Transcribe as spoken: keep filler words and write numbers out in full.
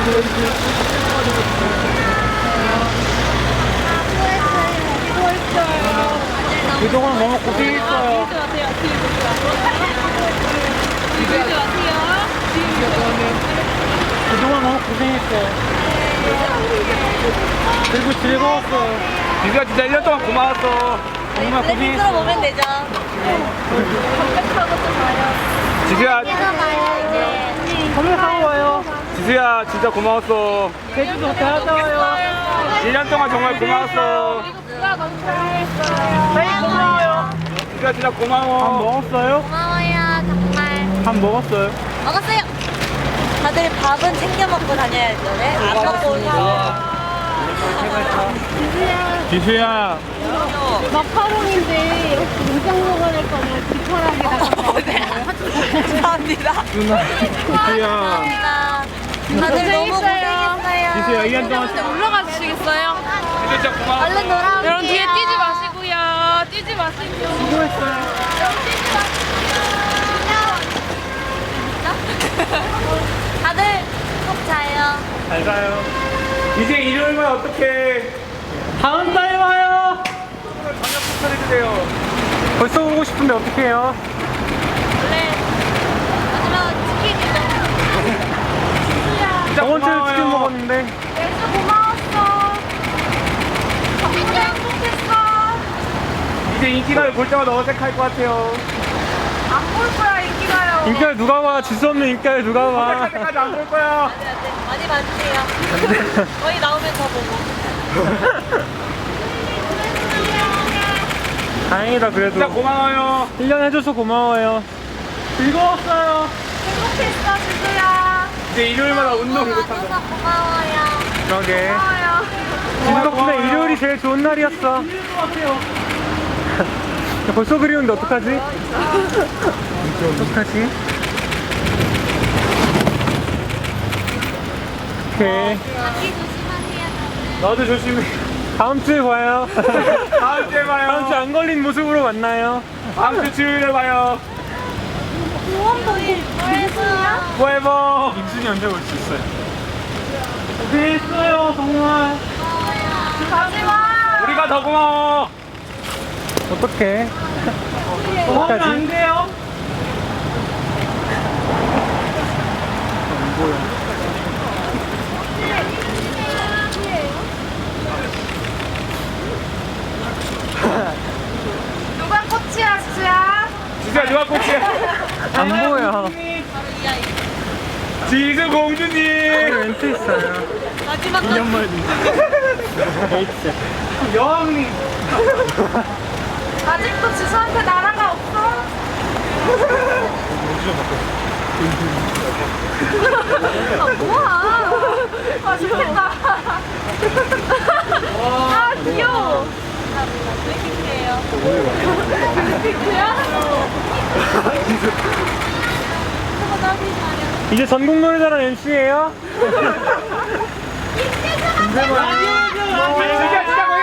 그동안 너무 고생했어요. 그동안 너무 고생했어요. 그리고 즐거웠어요. 지수야 진짜 일 년 동안 고마웠어. 정말 블랙 고생했어요. 들어 보면 되죠. 컴백하고 또 봐요. 지수야, 봐요 이제. 컴백하고 와요. 지수야 진짜 고마웠어. 제주도 갔다 와요. 일 년 동안 정말 고마웠어. 누가 너무 사랑했어요. 저희 고마워요. 지수야 진짜 밥 고마워. 먹었어요? 고마워요 정말. 밥 먹었어요? 먹었어요. 다들 밥은 챙겨 먹고 다녀야죠. 네? 안 먹고 오니까. 지수야. 마카롱인데 이렇게 인장 먹어낼 거면 뒷파랑에 나가서 감사합니다. 누나. 지수야. 감사합니다. 다들 너무 고생했어요. 지수야 일 년 동안 올라가 주시겠어요? 지수 진짜 고마웠어. 얼른 놀아올게요. 여러분 뒤에 뛰지 마시고요. 뛰지 마시고요. 수고했어요. 다들 꼭 자요. 잘 가요. 이제 일요일만 어떡해. 다음 달에 와요. 저녁 추천해주세요. 벌써 오고 싶은데 어떡해요? 원래 마지막 치킨이죠. 진짜 저번 주에 고마워요. 치킨 먹었는데. 매주 고마웠어. 진짜 행복했어. 이제 인기가요 볼 때마다 어색할 것 같아요. 안 볼 거야 인기가요. 인기가 누가 와? 지수 없는 인기가 누가 와? 어색할 때까지 안 볼 거야. 안돼 안돼 많이 봐주세요. 거의 나오면 더 보고. 다행이다 그래도. 진짜 고마워요. 일 년 해줘서 고마워요. 즐거웠어요. 행복했어 지수야. 이제 일요일마다 운동 못한다. 와줘서 고마워요. 그러게. 고마워요. 지수 덕분에 일요일이 제일 좋은 날이었어. 벌써 그리운데 어떡하지? 어떡하지? 오케이. 감기 조심하세요. 너도 조심해. 다음 주에 봐요. 다음 주에 봐요. 다음 주에 안 걸린 모습으로 만나요. 다음 주 주일에 봐요. 뭐해서요? 포에버. 임순이 언제 올 수 있어요? 고생했어요 정말. 가지마. 우리가 더 고마워. 어떡해? 고마우면 안 돼요. 안 보여. 누가 꽃이야 지수야? 지수야 누가 꽃이야? 안 보여. 지수 공주님. 멘트 있어요. 마지막 꽃. 데이트. 여왕님. 아직도 지수한테 나라가 없어? 아 뭐야? 아 좋겠다. 아 귀여워. 블랙핑크예요. 블랙핑크야? 이제 전국 노래자랑 엠씨예요? 진짜 진짜